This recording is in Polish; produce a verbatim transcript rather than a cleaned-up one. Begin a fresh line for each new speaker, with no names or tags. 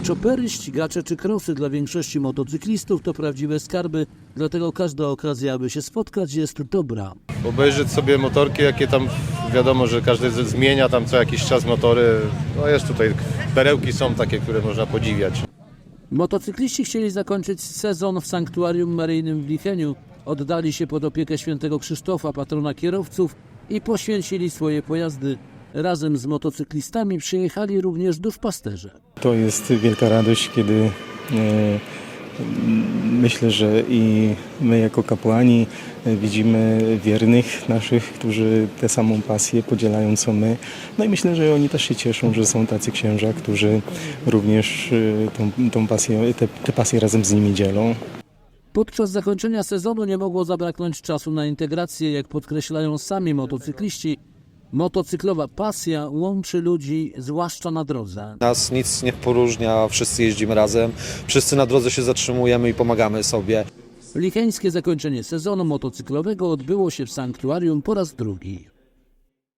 Chopery, ścigacze czy krosy dla większości motocyklistów to prawdziwe skarby, dlatego każda okazja, aby się spotkać, jest dobra.
Obejrzeć sobie motorki, jakie tam, wiadomo, że każdy z- zmienia tam co jakiś czas motory. No jest tutaj, perełki są takie, które można podziwiać.
Motocykliści chcieli zakończyć sezon w sanktuarium maryjnym w Licheniu, oddali się pod opiekę świętego Krzysztofa, patrona kierowców, i poświęcili swoje pojazdy. Razem z motocyklistami przyjechali również duszpasterze.
To jest wielka radość, kiedy e, myślę, że i my jako kapłani e, widzimy wiernych naszych, którzy tę samą pasję podzielają co my. No i myślę, że oni też się cieszą, że są tacy księża, którzy również e, tą, tą pasję, te, te pasje razem z nimi dzielą.
Podczas zakończenia sezonu nie mogło zabraknąć czasu na integrację, jak podkreślają sami motocykliści. Motocyklowa pasja łączy ludzi, zwłaszcza na drodze.
Nas nic nie poróżnia, wszyscy jeździmy razem, wszyscy na drodze się zatrzymujemy i pomagamy sobie.
Licheńskie zakończenie sezonu motocyklowego odbyło się w sanktuarium po raz drugi.